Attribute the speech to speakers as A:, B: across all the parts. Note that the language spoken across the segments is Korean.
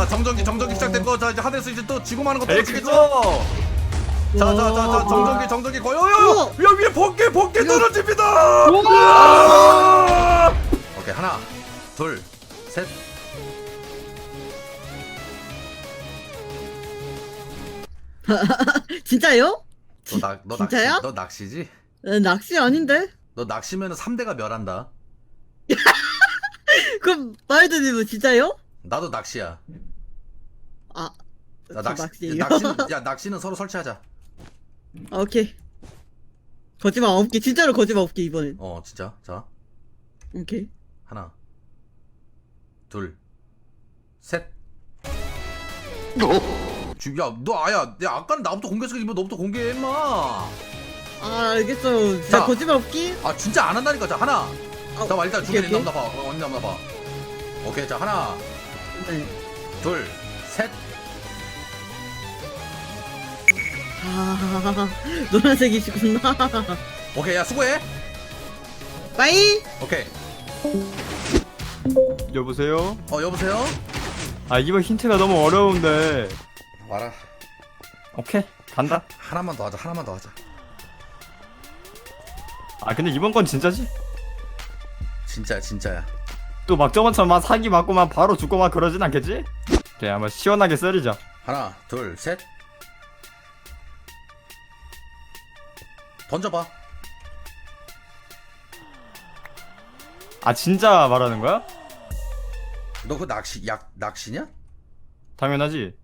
A: 자 정전기 시작됐고 자 이제 하늘에서 이제 또 지구 많은 거
B: 에이
A: 떨어지겠죠?
B: 그거.
A: 자자자자 정전기 거요 야 위에 번개 떨어집니다. 오케이 하나 둘 셋.
C: 진짜요?
A: 너
C: 진짜야?
A: 너 낚시지?
C: 낚시 아닌데?
A: 너 낚시면은 3대가 멸한다.
C: 그럼 마이드님은 진짜요?
A: 나도 낚시야.
C: 아,
A: 나
C: 저
A: 낚시는
C: 낚시예요.
A: 야 낚시는 서로 설치하자.
C: 아, 오케이. 거짓말 없게, 진짜로 거짓말 없게 이번엔.
A: 진짜 자
C: 오케이.
A: 하나 둘 셋. 야너 아야 야 아까는 나부터 공개했으니까 이번 너부터 공개해 임마.
C: 아, 알겠어요. 진짜
A: 자.
C: 거짓말 없기?
A: 아 진짜 안 한다니까. 자 하나 잠깐만 일단
C: 오케이,
A: 중간에 있나 봐. 언니 남나 봐. 오케이 자 하나
C: 네.
A: 둘 셋.
C: 아, 노란색이시구나.
A: 오케이 야 수고해.
C: 빠이!
A: 오케이
B: 여보세요?
A: 여보세요.
B: 아 이번 힌트가 너무 어려운데.
A: 와라.
B: 오케이 간다.
A: 하나만 더 하자.
B: 아 근데 이번 건 진짜지?
A: 진짜야.
B: 또 막 저번처럼 막 사기 맞고 막 바로 죽고 막 그러진 않겠지? 오케이 한번 시원하게 썰이자.
A: 하나 둘 셋. 던져봐.
B: 아 진짜 말하는 거야?
A: 너 그 낚시냐?
B: 당연하지.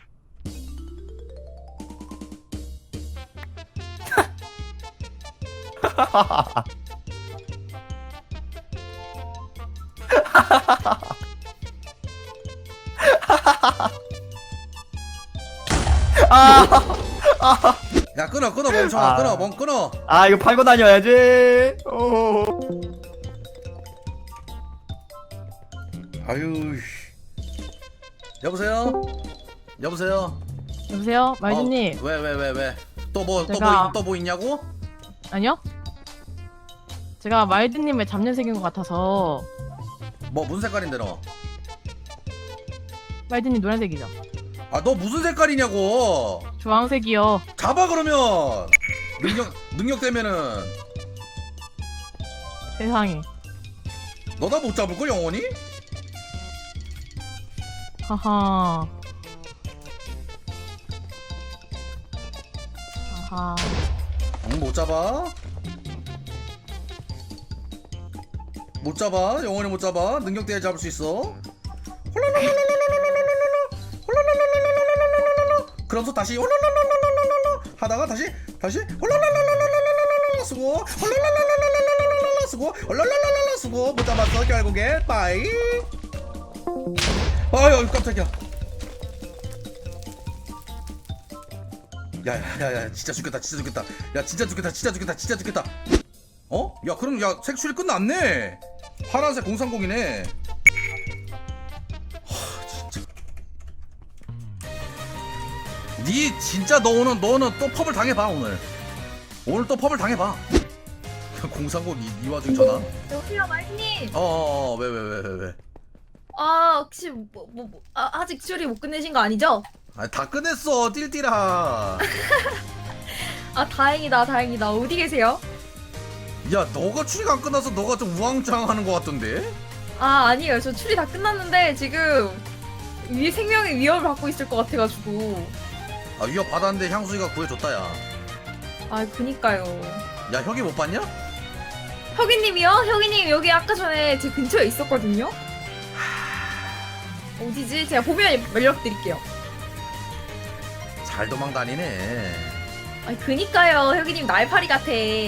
A: 야 끊어 멍청아.
B: 아.
A: 끊어.
B: 아 이거 팔고 다녀야지. 오.
A: 아유. 여보세요.
D: 여보세요, 말주님.
A: 왜? 또 뭐 있냐고?
D: 아니요? 제가 말드님을 잡년색인 것 같아서.
A: 뭐 무슨 색깔인데 너?
D: 말드님 노란색이죠?
A: 아 너 무슨 색깔이냐고?
D: 주황색이요.
A: 잡아 그러면. 능력 되면은
D: 세상에.
A: 너 다 못 잡을 걸 영원히?
D: 하하. 아하.
A: 응, 못 잡아. 영원히 못 잡아. 능력 돼야 잡을 수 있어. 그러면서 다시 하다가 다시 쓰고 쓰고 못 잡았어 결국에. 빠이. 아유 깜짝이야. 야야야 진짜 죽겠다. 야 진짜 죽겠다. 야 그럼 야 색출이 끝났네. 파란색 030이네. 진짜. 니 진짜 너는 또 펍을 당해봐 오늘 또 펍을 당해봐. 030 이 와중에 전화.
E: 여보세요, 말님.
A: 왜?
E: 혹시 아직 추리 못 끝내신 거 아니죠?
A: 다 끝냈어 띨띨아.
E: 다행이다. 어디 계세요?
A: 야 너가 추리가 안 끝나서 너가 좀 우왕좌왕하는 것 같던데?
E: 아니에요. 저 추리 다 끝났는데 지금 생명의 위협을 받고 있을 것 같아가지고.
A: 위협 받았는데 향수이가 구해줬다 야.
E: 그니까요.
A: 야 혁이 못 봤냐?
E: 혁이님이요? 혁이님 여기 아까 전에 제 근처에 있었거든요. 어디지? 제가 보면 연락드릴게요.
A: 잘 도망다니네.
E: 그니까요. 혁이님 날파리 같아.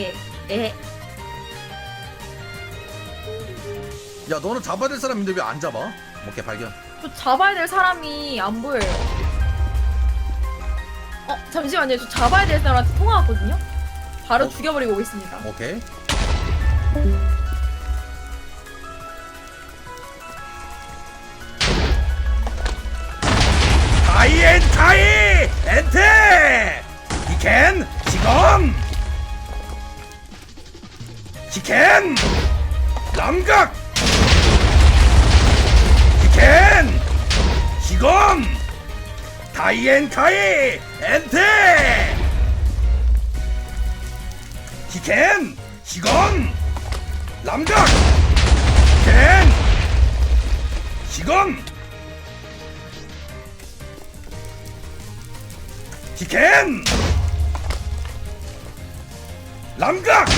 A: 야 너는 잡아야 될 사람인데 왜 안 잡아? 오케이 발견.
E: 저 잡아야 될 사람이 안 보여요. 잠시만요. 저 잡아야 될 사람한테 통화 왔거든요. 바로 죽여버리고 오겠습니다.
A: 오케이. 가이 엔테 히켄 지검 히켄 람각 히켄 지검 다이앤카이 엔테 히켄 시건 람각 켄 시건 히켄 람각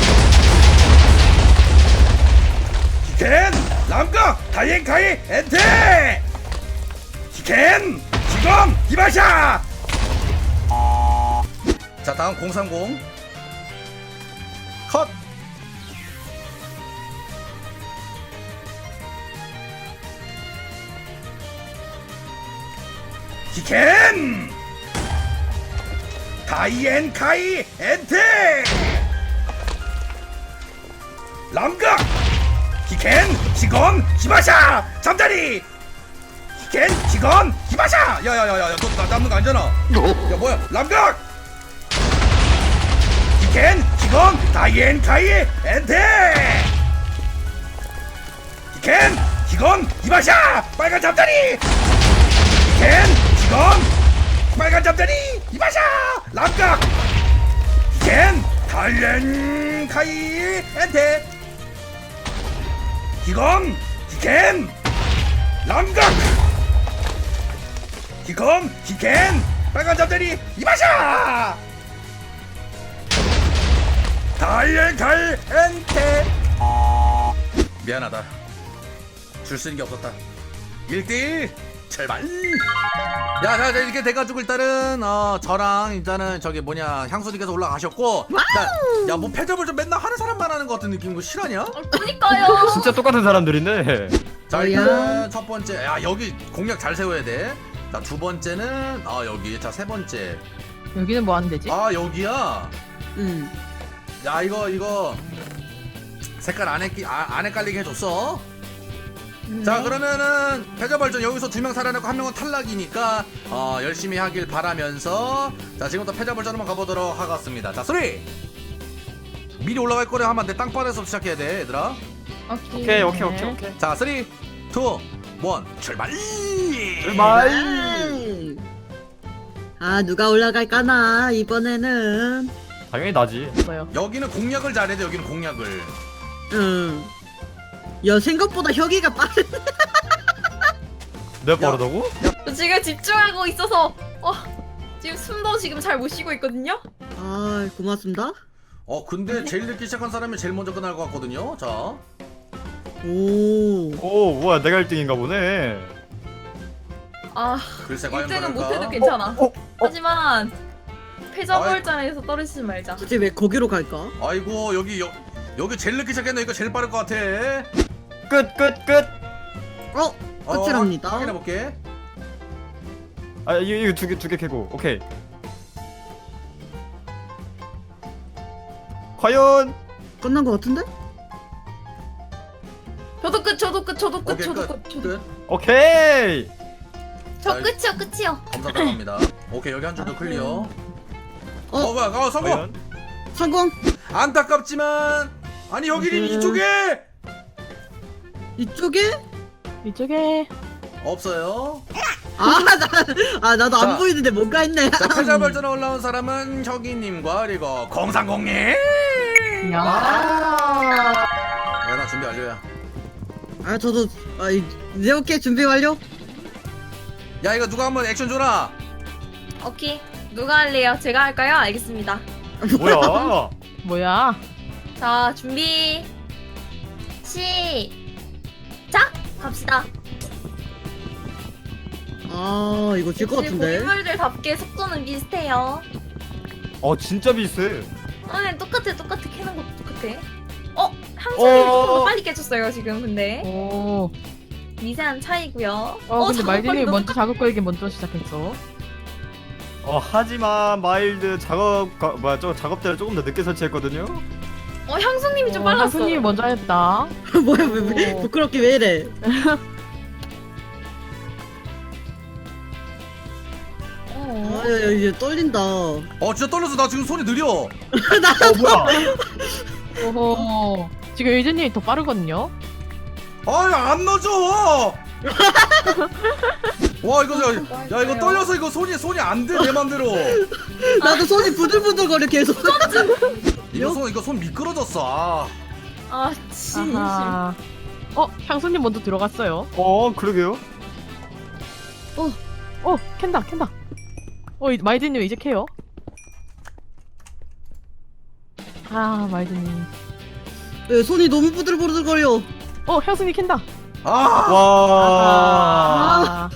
A: 히켄 람각 다이앤카이 엔테 히켄 시건 이바샤. 자 다음 030 컷. 히켄 다이앤카이 엔테 람각 히켄 시건 히바샤 잠자리 히켄 시건 히바샤. 야야야야 너 나 남는 거 아니잖아. 야 뭐야 람각 히켄 시건 다이앤카이 엔테 히켄 시건 히바샤 빨간 잠자리 히켄 시건 빨간 잠자리 이바샤 람각 히켄 다이앤카이 엔테 히건 히켄 람각 히건 히켄 빨간 잠자리 이바샤 다이앤카이 엔테. 미안하다 줄 수 있는 게 없었다. 1대1 출발. 자 이렇게 돼가지고 일단은 저랑 일단은 저기 뭐냐 향수님께서 올라가셨고 야 뭐 패접을 좀 맨날 하는 사람만 하는 것 같은 느낌인 거 실화냐?
E: 그니까요.
B: 진짜 똑같은 사람들인데.
A: 자 일단 첫 번째 야 여기 공략 잘 세워야 돼. 자 두 번째는 여기 자 세 번째
D: 여기는 뭐 하는 데지?
A: 여기야. 야 이거 색깔 안 헷갈리게 해줬어. 자 그러면은 패자발전 여기서 2명 살아나고 1명은 탈락이니까 열심히 하길 바라면서 자 지금부터 패자발전 한번 가보도록 하겠습니다. 자 3 미리 올라갈 거래 하면 내 땅바닥에서 시작해야 돼 얘들아.
B: 오케이.
A: 자 3 2 1 출발.
B: 출발.
C: 아 누가 올라갈까나 이번에는.
B: 당연히 나지.
D: 뭐요?
A: 여기는 공략을 잘해야 돼. 여기는 공략을.
C: 야 생각보다 혁이가 빠른.
B: 내가 빠르다고?
E: 저 지금 집중하고 있어서 지금 숨도 지금 잘 못 쉬고 있거든요.
C: 아 고맙습니다.
A: 근데 제일 늦게 시작한 사람이 제일 먼저 끝날 것 같거든요. 자
C: 오.
B: 오 뭐야 내가 1등인가 보네.
A: 글쎄 과연
E: 1등은
A: 그럴까?
E: 못해도 괜찮아. 하지만 패자부활전에서 떨어지지 말자.
C: 굳이 왜 거기로 갈까?
A: 아이고 여기 제일 늦게 시작했네. 이거 제일 빠를 것 같아.
B: 끝.
C: 끝이랍니다.
A: 확인해볼게.
B: 아 이거 두 개 캐고. 오케이. 과연
C: 끝난 거 같은데?
E: 저도 끝, 저도 끝, 저도 끝,
A: 오케이
E: 저도
A: 끝.
E: 끝, 저도
A: 끝.
B: 오케이.
E: 저 끝이요, 끝이요.
A: 검사 들어갑니다. 오케이 여기 한 줄도 클리어. 뭐야 성공.
B: 과연
C: 성공.
A: 안타깝지만 아니 여기는 이쪽에
C: 이쪽에?
D: 이쪽에
A: 없어요.
C: 나도
A: 자.
C: 안 보이는데 뭔가 있네.
A: 자 패자발전에 올라온 사람은 혁이님과 그리고 공상공님.
D: 야.
A: 야나 준비 완료야.
C: 저도 이제 오케이 준비 완료.
A: 야 이거 누가 한번 액션 줘라.
E: 오케이. 누가 할래요? 제가 할까요? 알겠습니다.
B: 뭐야?
D: 뭐야?
E: 자, 준비. 시작! 갑시다.
C: 이거 질 것
E: 역시
C: 같은데.
E: 고인물들답게 속도는 비슷해요.
B: 진짜 비슷해.
E: 똑같아. 캐는 것도 똑같아. 향수님이 조금 더 빨리 깨졌어요, 지금, 근데.
D: 오.
E: 미세한 차이고요.
D: 근데
E: 작업
D: 말들이
E: 빨리
D: 먼저 작업 걸기 먼저 시작했어.
B: 하지만 마일드 작업대를 조금 더 늦게 설치했거든요.
E: 향수님이 좀 빨랐어.
D: 한순이 먼저 했다.
C: 뭐야 왜
D: 오.
C: 부끄럽게 왜 이래? 야, 이제 떨린다.
A: 진짜 떨려서 나 지금 손이 느려.
B: 뭐야?
D: 오호. 지금 유진님이 더 빠르거든요.
A: 아니 안 넣어줘. 와 이거 야 이거 떨려서 이거 손이 안 돼 내 맘대로.
C: 나도 손이 부들부들거려 계속.
A: 이거 손 미끄러졌어.
E: 아 진심.
D: 아하. 향수님 먼저 들어갔어요.
B: 그러게요.
D: 캔다. 마이드님 이제 캐요. 마이드님.
C: 네, 손이 너무 부들부들거려.
D: 향수님 캔다.
A: 아.
B: 와.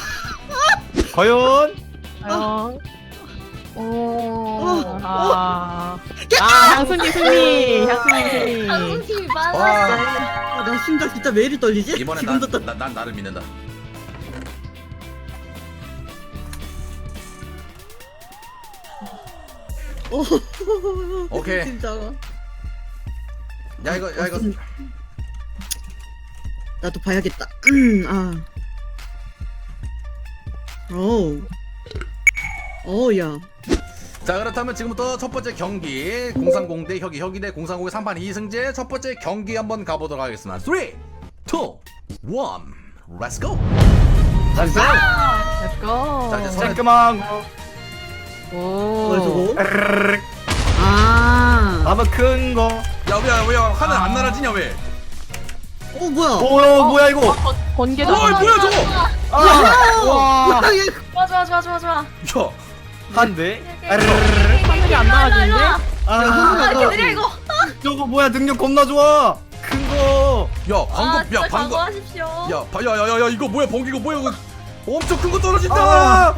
B: 과연?
D: 향수님 승리. 향수님 승리.
E: 한숨이 많았어.
A: 와.
C: 나 심장 진짜 왜 이리 떨리지?
A: 이번엔
C: 지금도 떨.
A: 난 나를 믿는다. 오케이.
C: 진짜.
A: 야 이거
C: 나도 봐야겠다. 야.
A: 자 그렇다면 지금부터 첫 번째 경기 030 대 혁이 대 030의 3판 2승제 첫 번째 경기 한번 가보도록 하겠습니다. 3, 2, 1, Let's go.
D: Let's go.
A: 자 이제 선에
B: 깔끔한 거.
C: 뭐야
D: 오.
C: 저거? 아.
B: 한번 큰 거.
A: 야 하늘 안 날아지냐 왜?
C: 뭐야?
B: 뭐야 이거?
D: 번개다.
A: 뭐야 저거?
B: 와.
C: 뭐야 얘?
E: 좋아.
A: 야
B: 한 대.
D: 하늘이 안 나와지는데?
E: 아 이렇게 느려 이거.
B: 저거 뭐야 능력 겁나 좋아. 큰 거.
A: 야 방금
E: 진짜
A: 야 방금
E: 각오하십시오.
A: 야야야야 이거 뭐야 번개가 뭐야 이거 엄청 큰 거 떨어진다.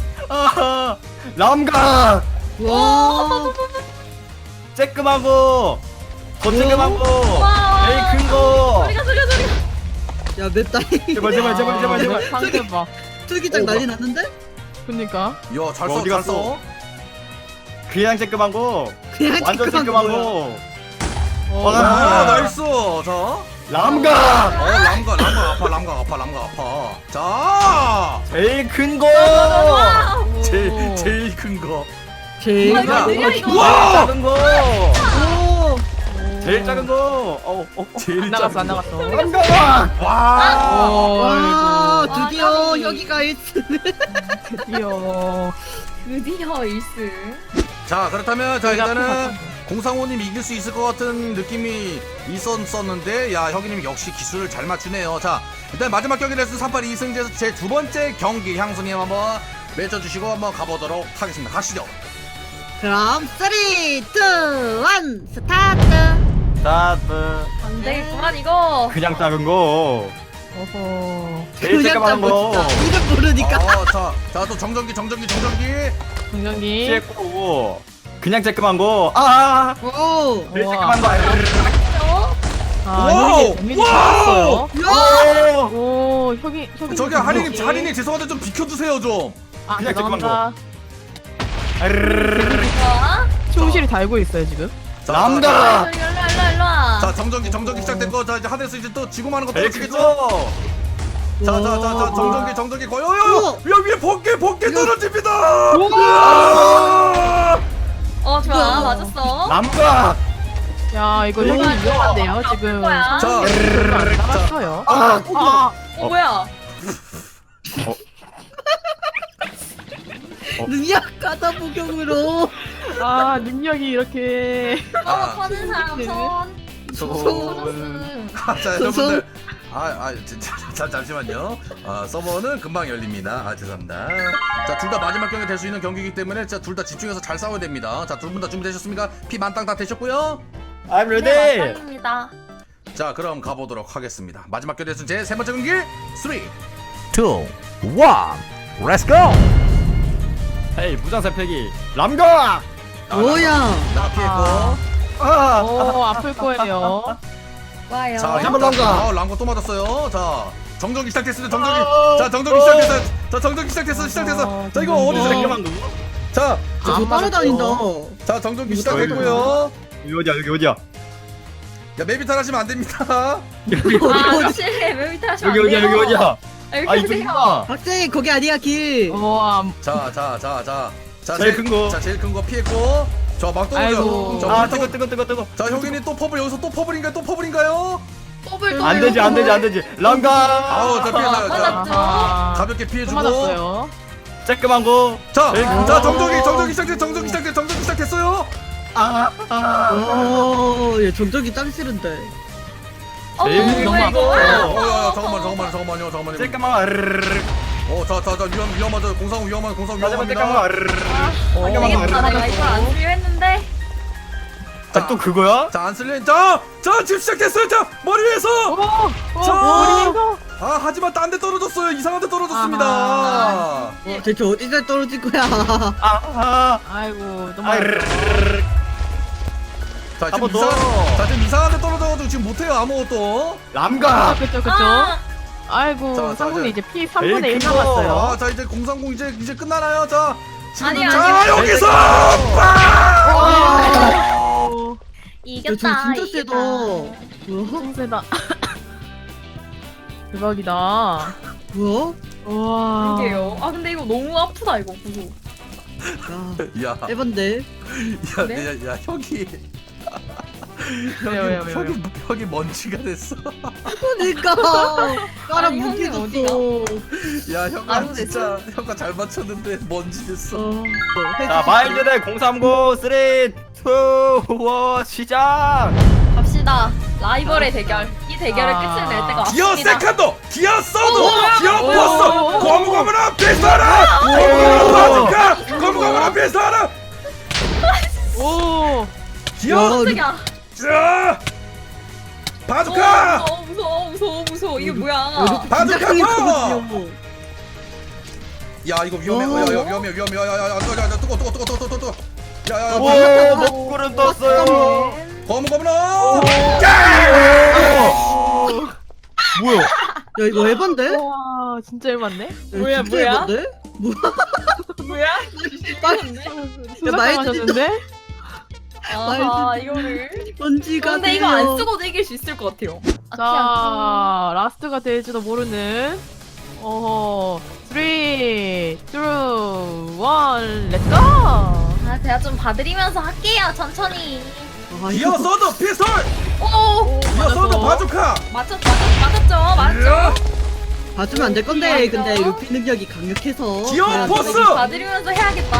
B: 람각.
C: 와.
B: 쬐끔한 거. 더 쬐끔한 거.
E: 와.
B: 제일 큰 거.
E: 소리가.
C: 야 맵다이.
B: 제발.
D: 상대 봐.
C: tur기장 난리 났는데?
D: 그니까.
A: 야잘
B: 어디
A: 써.
B: 갔어? 그냥 쬐끔한 거.
C: 그냥
B: 완전
C: 쬐끔한
B: 쬐끔한
C: 거야.
B: 거.
A: 아 나이스. 자.
B: 람각.
A: 람각 아파. 자.
B: 제일 큰 거.
A: 제일 큰 거.
C: 제일.
E: 이거 느려 이거.
A: 와!
B: 작은 거.
C: 오.
B: 제일 작은 거.
A: 제일
D: 안 나갔어.
B: 람각.
A: 와.
C: 와
E: 와,
C: 드디어
E: 까비.
C: 혁이가 1승.
D: 드디어.
E: 드디어 1승.
A: 자 그렇다면 자 일단은 공상호님 이길 수 있을 것 같은 느낌이 있었는데 야 혁이님 역시 기술을 잘 맞추네요. 자 일단 마지막 경기 레슨 3판 2승제에서 제 두 번째 경기 향수님 한번 맺어주시고 한번 가보도록 하겠습니다. 가시죠.
C: 그럼 3, 2, 1 스타트.
B: 스타트.
E: 안 되겠구만 이거.
B: 그냥 작은 거.
D: 어허.
B: 제일 쬐끔한 거.
C: 이름 모르니까.
A: 자 또 정전기
D: 정전기.
B: 쬐꼬고. 그냥 쬐끔한 거.
C: 오.
B: 제일
D: 우와.
B: 쬐끔한 거.
A: 와우!
D: 데미지
A: 와우!
D: 좋았어요.
C: 야.
D: 오, 혁이.
A: 저기 하리님 죄송한데 좀 비켜주세요 좀.
B: 그냥
D: 죄송합니다.
E: 좋아.
D: 충실히 달고 있어요 지금.
B: 람다.
E: 일로 와.
A: 자 정전기 시작된 거 자 이제 하늘에서 이제 또 지구 많은 거
B: 제일 큰
A: 떨어지겠죠?
B: 거.
A: 자 정전기 거의
C: 우와.
A: 야 위에 번개 떨어집니다.
E: 좋아 맞았어.
B: 람각.
D: 야 이거 혁이 위험한데요 지금.
E: 거야.
A: 자,
D: 안 나갔어요.
E: 뭐야?
C: 능력 가다 복용으로.
D: 능력이 이렇게.
E: 터는 사람 손.
A: 자 여러분들 잠시만요. 서버는 금방 열립니다. 죄송합니다. 자 둘 다 마지막 경기 될 수 있는 경기이기 때문에 둘 다 집중해서 잘 싸워야 됩니다. 자 두 분 다 준비되셨습니까? 피 만땅 다 되셨고요.
B: I'm ready.
E: 네, 맞습니다.
A: 자 그럼 가보도록 하겠습니다. 마지막 경기 될수 제 세 번째 경기 3, 2, 1 Let's go.
B: 헤이 무장세 패기. 람각.
C: 뭐야?
A: 나 피했고.
D: 오 아플 거예요.
E: 와요.
A: 자
B: 한번 람가.
A: 람가 또 맞았어요. 자 정전기 시작됐습니다. 정전기 시작됐어. 자 정전기 시작됐어. 자 이거 어디서
B: 쬐끔한 거.
A: 자
C: 저 따라다닌다.
A: 자 정전기 시작됐고요.
B: 여기 어디야?
A: 야 메비탈 하시면 안 됩니다.
E: 그렇지. 왜 밑에 하시면 안 돼요?
B: 여기 어디야?
E: 여기
B: 아
E: 하세요.
B: 이쪽이구나.
C: 학생 거기 아니야 길.
D: 와.
A: 자
B: 제일 큰 거.
A: 자 제일 큰 거 피했고. 저 막
D: 아이고.
A: 떨어져.
B: 아 뜨거.
A: 자 형님 또 퍼블 여기서 또 퍼블인가요?
E: 더블
B: 안 되지 안 되지 안 되지. 랑가.
A: 아우 자 피해자. 자
E: 맞았죠?
A: 가볍게
D: 또
A: 피해주고.
D: 맞았어요.
B: 쬐끄만 거.
A: 자,
B: 에이,
A: 자 정적이 시작됐어요.
C: 얘 전적이 짱 싫은데.
B: 제일
E: 뭐야 이거?
A: 야, 잠깐만요. 자, 위험하죠. 공상
B: 마지막
A: 위험합니다.
B: 쬐끄만
E: 안 되겠다. 내가 이걸 안 쓰려 했는데.
B: 거. 또 그거야?
A: 자, 안 쓸래. 자, 지금 시작됐어요. 자, 머리 위에서.
D: 머리에서.
A: 아, 하지만 딴 데 떨어졌어요. 이상한 데 떨어졌습니다.
C: 대체 어디서 떨어질 거야?
D: 아이고 너무.
A: 자,
B: 한번 더.
A: 지금 이상한 데 떨어져가지고 지금 못해요. 아무것도.
B: 람가.
D: 그쵸. 아이고
A: 자,
D: 상군이
A: 자.
D: 이제 피 3분의 1
B: 에이, 그거.
D: 남았어요.
A: 아, 자, 이제 030 이제 끝나나요? 자, 지금
E: 아니야,
A: 자,
E: 아니야.
A: 여기서
C: 저 진짜 세다. 뭐야?
D: 성세다. 대박이다.
C: 뭐야?
D: 와.
E: 이게요. 아 근데 이거 너무 아프다 이거 구조.
C: 야,
A: 야,
C: 에반데.
E: 네?
A: 야, 혁이.
D: 왜요?
A: 혁이 먼지가 됐어.
C: 그러니까 까라
E: 아니,
C: 무기
E: 형님
C: 줬어.
A: 야, 혁아
E: 아이고,
A: 진짜 혁아 잘 맞췄는데 먼지 됐어.
B: 자 마일드대 030 3 2 1 시작.
E: 갑시다. 라이벌의 대결. 이 대결을
D: 아.
E: 끝을 낼 때가
A: 기어
E: 왔습니다.
A: 세컨도, 기어 서도, 기어
D: 오,
A: 포스,
D: 오, 오,
A: 고무고무나 비슷하라, 고무고무나 바둑카, 고무고무나 비슷하라,
D: 오.
A: 기어
E: 깜짝이야.
A: 자, 바둑카,
E: 무서워. 이게 뭐야?
C: 진짜
A: 바둑카
C: 강력하
A: 파워.
C: 거든요
A: 야 이거 위험해,
C: 오.
A: 야 위험해, 야 뜨거, 야,
B: 오 먹구름 떴어요.
A: 고무고무나,
B: 뭐야?
C: 야 이거 에반데?
D: 와 진짜 열받네.
E: 뭐야,
C: 진짜
E: 뭐야?
C: 에반데?
E: 뭐야?
D: 수상하셨는데?
E: 아하 이거를.
C: 먼지가
E: 근데 이거 안 쓰고도 이길 수 있을 것 같아요.
D: 자 라스트가 될지도 모르는. 어허. 3, 2, 1, 렛츠고!
E: 아 제가 좀 봐드리면서 할게요 천천히.
A: 기어 서도 피스톨,
E: 오
A: 기어 서도 바둑카,
E: 맞췄죠.
C: 봐주면 안 될 건데 근데 루피 능력이 강력해서
A: 기어
C: 과연
A: 포스!
E: 봐드리면서 해야겠다.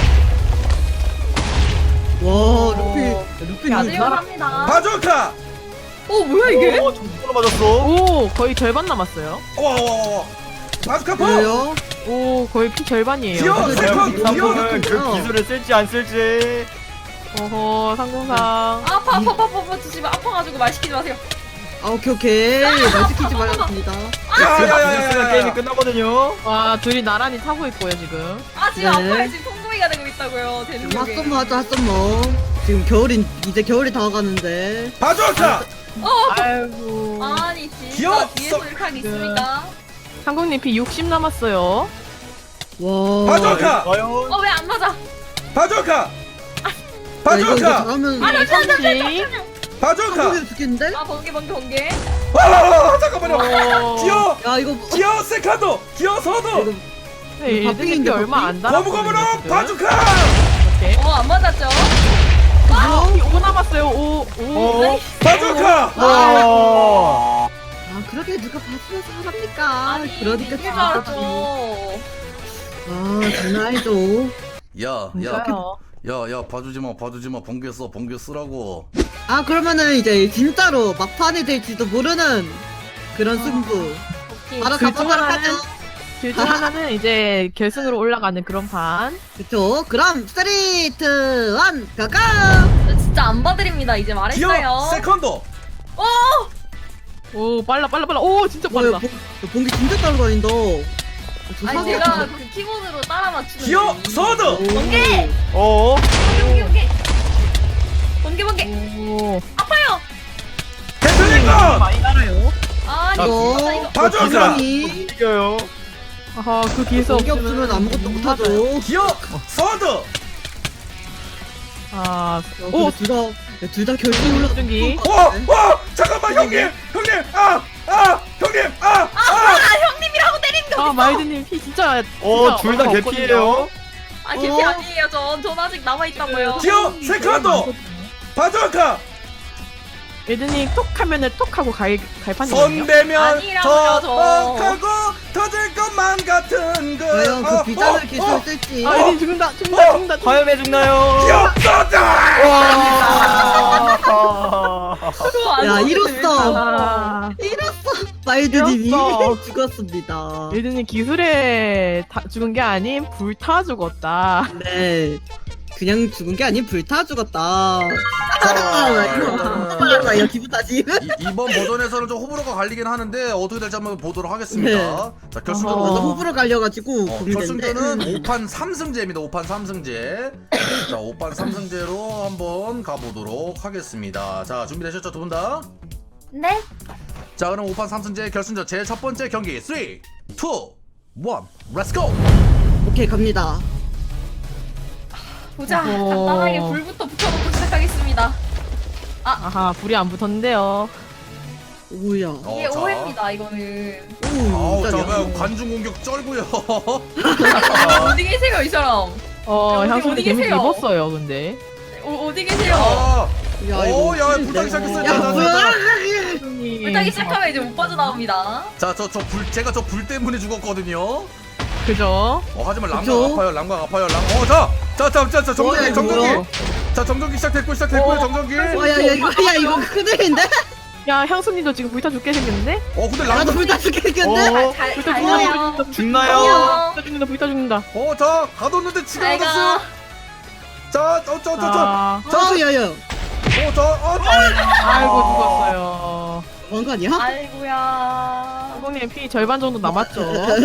C: 와 루피
E: 봐드리면서
C: 능력
E: 합니다.
A: 바둑카,
E: 뭐야 이게?
B: 오 정보로 맞았어.
D: 오 거의 절반 남았어요.
A: 와, 바둑카 포,
C: 왜요?
D: 오 거의 피 절반이에요.
A: 기어
C: 맞아요.
A: 세컨,
C: 기어
A: 기어
B: 상공은 그 기술을 쓸지 안 쓸지.
D: 어허 상공상.
E: 아파 주시면 아파가지고 말 시키지 마세요.
C: 아 오케이 말 시키지 말았습니다.
B: 기술 게임이 끝나거든요.
D: 와 둘이 나란히 타고 있고요 지금.
E: 아 지금
C: 네.
E: 아파요. 지금 통구이가 되고 있다고요. 되는 게.
C: 핫썸머 하자 핫썸머. 지금 이제 겨울이 다가가는데
A: 바둑카,
D: 아이고.
E: 아니
A: 귀여워.
E: 진짜 뒤에서 이렇게 하기 있습니까?
D: 상공님 피 60 남았어요.
C: 와
A: 바둑카,
B: 과연
E: 왜 안 맞아?
A: 바둑카,
C: 야, 이거
A: 바둑카,
C: 잘하면
D: 잠시.
A: 바둑카.
C: 한국에서 죽겠는데?
E: 아 번개.
A: 잠깐만요.
D: 오.
C: 야 이거
A: 기어 세컨도, 기어 서도,
D: 네, 일등이 피
C: 바삐인데,
D: 얼마 안 달았거든요.
A: 고무고무나
D: 지금.
A: 바둑카.
D: 이렇게.
E: 안 맞았죠?
D: 피 5 남았어요. 5.
B: 어?
A: 바둑카.
B: 와.
C: 아 그렇게 누가 봐주면서 하랍니까?
E: 아니
C: 그러니까
E: 이길 줄
C: 진짜
E: 알았죠.
C: 아 장난 아니죠.
D: 진짜요.
A: 봐주지마. 번개 쓰라고.
C: 아 그러면은 이제 진짜로 막판이 될지도 모르는 그런 승부. 바로
D: 둘중
C: 가보도록
D: 하나는-
C: 하죠.
D: 둘중 하나는 이제 결승으로 올라가는 그런 판.
C: 그쵸? 그럼 3, 2, 1 가가!
E: 진짜 안 봐드립니다. 이제 말했어요.
A: 기어 세컨도.
D: 오 빨라. 오 진짜
C: 뭐야
D: 빨라.
C: 봉기 진짜 따라다닌다.
E: 아니 제가 그 키보드로 따라 맞추는.
A: 기어
E: 거지.
A: 서도.
E: 번개.
B: 어?
E: 번개.
D: 오
E: 아파요.
A: 대표님과
D: 많이 달아요.
E: 아니
C: 이거
E: 진짜 이거.
A: 바둑카.
B: 이겨요.
D: 아하 그 기술
C: 봉기 없으면 아무것도 못하죠.
A: 기어 서도.
D: 아,
C: 오, 둘 다 결승 올라.
D: 중기.
A: 잠깐만 형님. 형님.
E: 형님이라고 때리는 게
D: 아
E: 어딨어?
D: 마이드님 피 진짜.
B: 둘 다
D: 얼마
B: 개피예요.
E: 아 개피 아니에요. 전 아직 남아 있다고요.
A: 기어 세컨도. 바둑카.
D: 예든이 톡 하면은 톡 하고 갈판이거든요.
A: 손대면
E: 아니라고요,
A: 더 하고 터질 것만 같은 그
C: 과연 그 비단을 기술 쓸지.
D: 아 예든 죽는다.
B: 과연 왜 죽나요?
A: 기억도다!
C: 야, 이로써
D: 아,
C: 마일드님이
D: 이겼어.
C: 죽었습니다.
D: 예든이 기술에 죽은 게 아닌 불타 죽었다.
C: 네. 그냥 죽은 게 아닌 불타 죽었다.
A: 자,
C: 이거 기분 탓이.
A: 이번 버전에서는 좀 호불호가 갈리긴 하는데 어떻게 될지 한번 보도록 하겠습니다.
C: 네.
A: 자, 결승전
D: 어허.
C: 너무 호불호 갈려가지고 고민되는데.
A: 결승전은 5판 3승제입니다. 5판 3승제. 자, 5판 3승제로 한번 가보도록 하겠습니다. 자, 준비되셨죠, 두 분 다?
E: 네.
A: 자, 그럼 5판 3승제 결승전 제 첫 번째 경기 3, 2, 1, 렛츠 고!
C: 오케이 갑니다.
E: 보자.
D: 어허.
E: 간단하게 불부터 붙여놓고 시작하겠습니다.
D: 아하 불이 안 붙었는데요.
C: 오야.
E: 이게
A: 자.
E: 오해입니다. 이거는.
A: 아우, 자,
C: 깜짝이야.
A: 왜 관중 공격 쩔고요.
E: 어디 계세요, 이 사람? 어디
D: 향수님 데미지
E: 계세요?
D: 입었어요 근데.
E: 어디 계세요?
A: 아,
C: 야
A: 오,
C: 이거.
A: 야,
C: 큰일인데.
A: 불타기 시작했어요.
C: 야
A: 자, 자,
C: 뭐야?
E: 불타기 시작하면 이제 못 빠져나옵니다.
A: 자, 제가 저 불 때문에 죽었거든요.
D: 그죠?
A: 하지만 랑각
C: 그쵸?
A: 아파요, 랑각 아파요, 정전기,
C: 뭐야?
A: 자, 정전기 시작됐고요, 정전기.
C: 와야 이거 큰일인데?
D: 야 향수님도 지금 불타 죽게 생겼는데?
A: 근데
C: 나도
A: 랑각,
C: 불타 죽겠는데?
E: 잘
D: 불타
E: 가요.
B: 죽나요?
D: 불타 죽는다.
A: 자, 가뒀는데 지금
E: 잘 가.
A: 얻었어요. 자,
D: 아,
C: 야야.
D: 아이고 죽었어요.
C: 뭔거 아니야?
E: 아이고야.
D: 상공님 피 절반 정도 남았죠.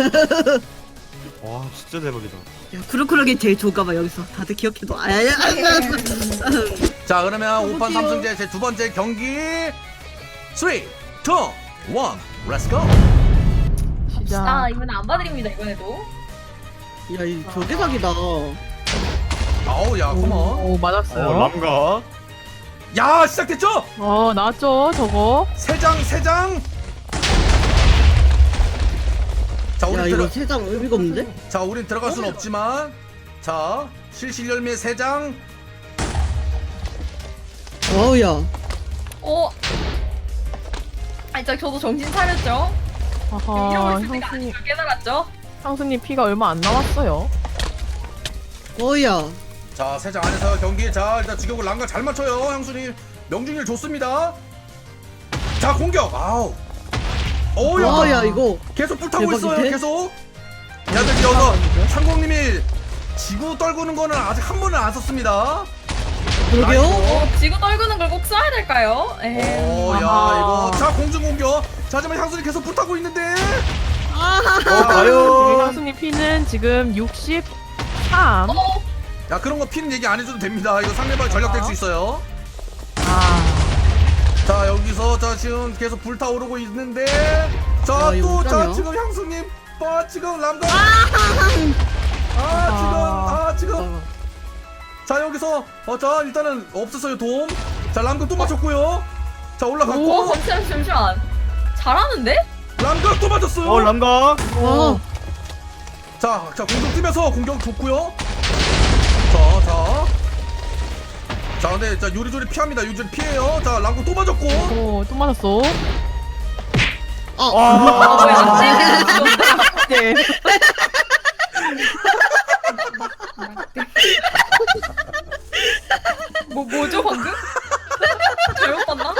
B: 와 진짜 대박이다.
C: 야 크루크루기 제일 좋은가봐 여기서 다들 기억해둬. 아야야.
A: 자, 그러면 5판
C: 어떡해요?
A: 3승제 제 두 번째 경기 3, 2, 1, 렛츠 고.
E: 아, 이번엔 안 봐드립니다, 이번에도.
C: 야이 저대박이다.
A: 아우, 야, 컴온.
D: 오 맞았어요.
B: 람가.
A: 야, 시작됐죠?
D: 나왔죠 저거.
A: 세 장. 자,
C: 야
A: 우리
C: 이거 세장 의미가 없는데?
A: 우린 들어갈 수는 없지만, 자, 실실 열매 3장.
C: 와우야.
E: 아니, 저도 정신 차렸죠? 이러고
D: 아하
E: 있을 때가 아닌
D: 향수님
E: 걸 깨달았죠?
D: 향수님 피가 얼마 안 남았어요.
C: 와우야.
A: 자, 3장 안에서 경기. 자, 일단 주격을 랑각 잘 맞춰요, 형수님. 명중률 좋습니다. 자, 공격. 아우. 야,
C: 와우야 이거.
A: 계속 불타고
C: 대박인데?
A: 있어요, 계속. 야들 여서 상공님이 지구 떨구는 거는 아직 한 번은 안 썼습니다.
C: 그러게요.
E: 지구 떨구는 걸 꼭 써야 될까요?
A: 야, 이거. 자, 공중 공격. 자, 하지만 향수님 계속 불타고 있는데.
B: 과연.
D: 향수님 피는 지금 63.
A: 야, 그런 거 피는 얘기 안 해줘도 됩니다. 이거 상대방 전략될 수 있어요. 자, 여기서 자 지금 계속 불타오르고 있는데, 자,
C: 야, 이거
A: 또 자
C: 어쩌냐?
A: 지금 향수님, 지금 람가. 지금. 자, 여기서 자 일단은 없었어요, 도움. 자, 람가 또 맞췄고요. 자, 올라갔고.
E: 잠시만. 잘하는데?
A: 람가 또 맞았어요.
B: 람가.
A: 자, 공격 뛰면서 공격 좋고요. 자, 근데 자 요리조리 피합니다. 요리조리 피해요. 자, 람가 또 맞았고.
D: 또 맞았어. 네.
E: 뭐죠 방금? 잘못 봤나?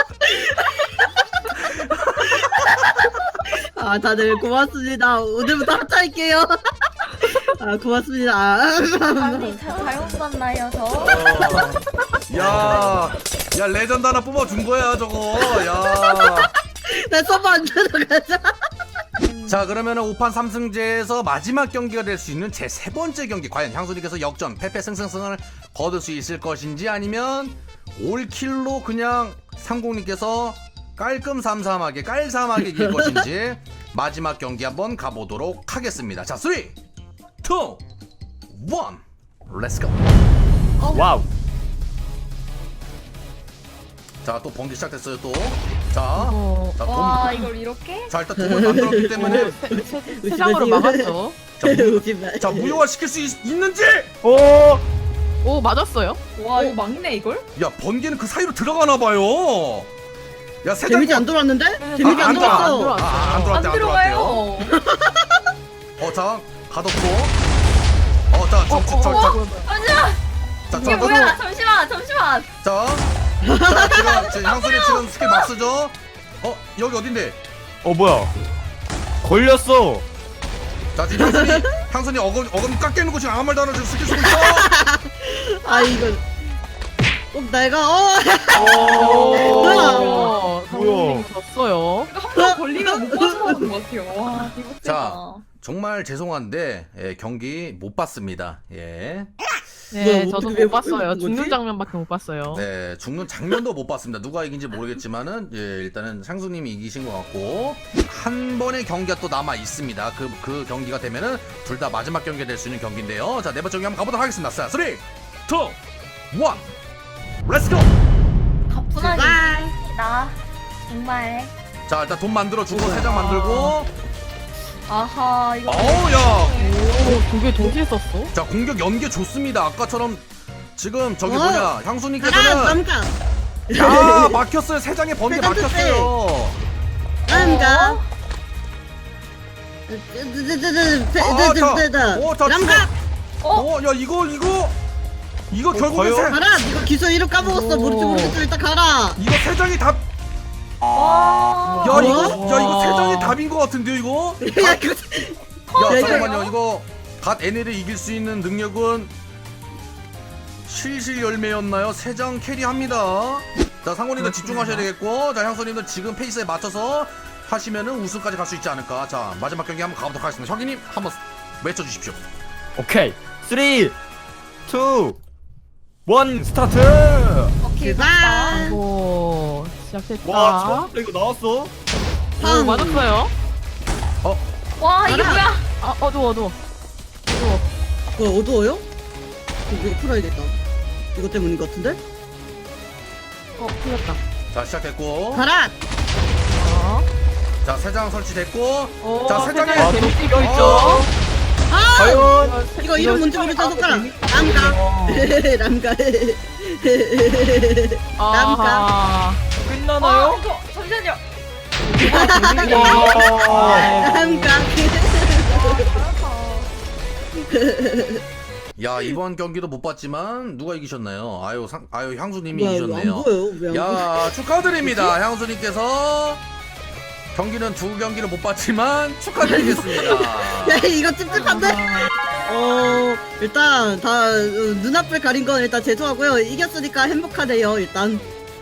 C: 다들 고맙습니다. 오늘부터 합차할게요. 고맙습니다.
E: 아니 잘못 봤나요 저?
A: 야, 레전드 하나 뽑아준 거야, 저거. 야.
C: 나 서버 안 들어가자.
A: 자, 그러면은 5판 3승제에서 마지막 경기가 될 수 있는 제 세 번째 경기. 과연 향수님께서 역전, 패패승승승을 거둘 수 있을 것인지, 아니면 올킬로 그냥 상공님께서 깔끔삼삼하게, 깔삼하게 이길 것인지, 마지막 경기 한번 가보도록 하겠습니다. 자, 3, 2, 1, 렛츠고.
B: 와우.
A: 자, 또 번개 시작됐어요, 또. 자,
E: 와 이걸 이렇게?
A: 자, 일단 돈을 만들었기 때문에.
D: 세 장으로 막았죠.
A: 자, 무효화 시킬 수 있는지!
D: 오 맞았어요.
E: 와 이거 막네 이걸?
A: 야, 번개는 그 사이로 들어가나 봐요. 야 세장
C: 데미지 안 돌았는데? 데미지 안
A: 들어와.
C: 돌았어.
A: 안
E: 안
A: 들어왔대 안 들어왔대요.
E: 들어가요.
A: 자 가뒀고. 자
E: 잠시만.
A: 자,
E: 이게 뭐야? 잠시만.
A: 자, 지금 향수님 지금 스킬 막 쓰죠? 여기 어딘데?
B: 뭐야 걸렸어.
A: 자, 지금 향수님 어금 깎여있는 거 지금 아무 말도 안 하고 지금 스킬 쓰고 있어!
C: 아 이거 꼭 내가
D: 뭐야?
B: 뭐야?
D: 졌어요.
E: 이거 한 번 걸리면 못 빠져나오는 것 같아요. 와, 이거 세다.
A: 자, 정말 죄송한데, 경기 못 봤습니다. 예.
D: 네,
C: 뭐야,
D: 저도
C: 어떻게
D: 못 봤어요.
C: 뭐지?
D: 죽는 장면밖에 못 봤어요.
A: 네, 죽는 장면도 못 봤습니다. 누가 이긴지 모르겠지만은, 예, 일단은 상수님이 이기신 것 같고, 한 번의 경기가 또 남아 있습니다. 그 경기가 되면은, 둘 다 마지막 경기가 될 수 있는 경기인데요. 자, 네 번째 경기 한번 가보도록 하겠습니다. 자, 3, 2, 1, 렛츠고!
E: 가뿐하게 나 정말.
A: 자, 일단 돈 만들어주고, 3장 만들고,
E: 아하, 이거.
A: 야!
D: 오, 두 개 동시에 썼어?
A: 자, 공격 연계 좋습니다. 아까처럼, 지금 저기
C: 어?
A: 뭐냐,
C: 가라
A: 향수님께서는,
C: 남가
A: 야, 막혔어요. 3장의 번개
C: 세장
A: 막혔어요.
C: 남가
A: 자,
C: 남가
A: 야, 이거 결국엔
B: 과연?
C: 가라. 이거 기술 이름 까먹었어. 모르겠어. 일단 가라.
A: 이거 3장이 답,
E: 와.
A: 야,
C: 어?
A: 이거 3장이 답인 것 같은데요, 이거?
C: 야 이거
A: 야,
C: 야,
A: 잠깐만요. 이거 갓 NL을 이길 수 있는 능력은 실실 열매였나요? 3장 캐리합니다. 자, 상호님들 집중하셔야 되겠고, 자, 향수님들 지금 페이스에 맞춰서 하시면은 우승까지 갈 수 있지 않을까. 자, 마지막 경기 한번 가보도록 하겠습니다. 혁이님 한번 외쳐주십시오.
B: 오케이 3 2 1 스타트.
E: 오케이,
C: 제발.
E: 맞다.
D: 오, 시작했다.
B: 와 처음 이거 나왔어.
D: 오, 맞았어요?
E: 와, 이게
C: 가라.
E: 뭐야?
D: 아, 어두워.
C: 뭐 어두워요? 이거 풀어야겠다. 이것 때문인 것 같은데?
D: 풀렸다.
A: 자, 시작됐고,
C: 가라.
D: 어,
A: 자, 3장 설치됐고,
D: 오,
A: 자, 세 장에-
D: 세장에 재밌게 이겨있죠?
C: 아
B: 과연
C: 이거 이름 뭔지 모르겠어. 손가락. 남가 남가
D: 아하.
B: 끝나나요?
E: 이거, 잠시만요.
B: 와.
C: 남가
A: 야, 이번 경기도 못 봤지만 누가 이기셨나요? 아유, 향수님이
C: 뭐야, 이거
A: 이기셨네요.
C: 안 보여요? 왜안 보여?
A: 야, 축하드립니다. 향수님께서 경기는 2경기를 못 봤지만 축하드리겠습니다.
C: 야 이거 찝찝한데? 일단 다 눈앞을 가린 건 일단 죄송하고요. 이겼으니까 행복하네요. 일단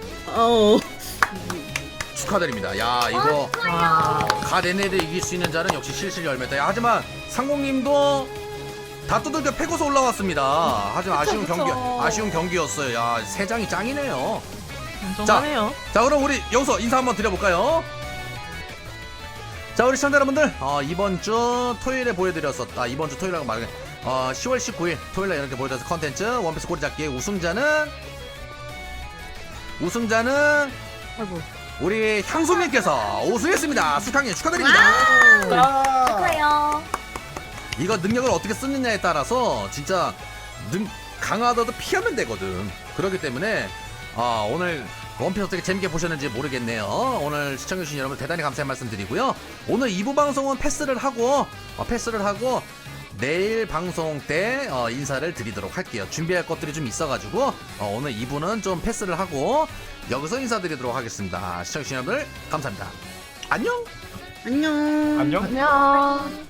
A: 축하드립니다. 야, 이거
D: 와.
A: 갓 NL을 이길 수 있는 자는 역시 실실 열매다. 야, 하지만 상공님도 다 두들겨 패고서 올라왔습니다. 하지만
E: 그쵸.
A: 아쉬운 경기였어요. 야, 3장이 짱이네요.
D: 인정하네요.
A: 자, 그럼 우리 여기서 인사 한번 드려볼까요? 자, 우리 시청자 여러분들, 이번 주 토요일에 보여드렸었다. 이번 주 토요일이라고 말해. 10월 19일 토요일에 이렇게 보여드렸을 컨텐츠 원피스 꼬리잡기의 우승자는
D: 아이고.
A: 우리 향수님께서 우승했습니다. 수강님 축하드립니다.
E: 축하해요.
A: 이거 능력을 어떻게 쓰느냐에 따라서 진짜 강하더라도 피하면 되거든. 그렇기 때문에 오늘 원피스 어떻게 재밌게 보셨는지 모르겠네요. 오늘 시청해주신 여러분 대단히 감사의 말씀 드리고요. 오늘 2부 방송은 패스를 하고 내일 방송 때 인사를 드리도록 할게요. 준비할 것들이 좀 있어가지고 오늘 2부는 좀 패스를 하고 여기서 인사드리도록 하겠습니다. 시청해주신 여러분들 감사합니다. 안녕.
C: 안녕.
B: 안녕.
D: 안녕.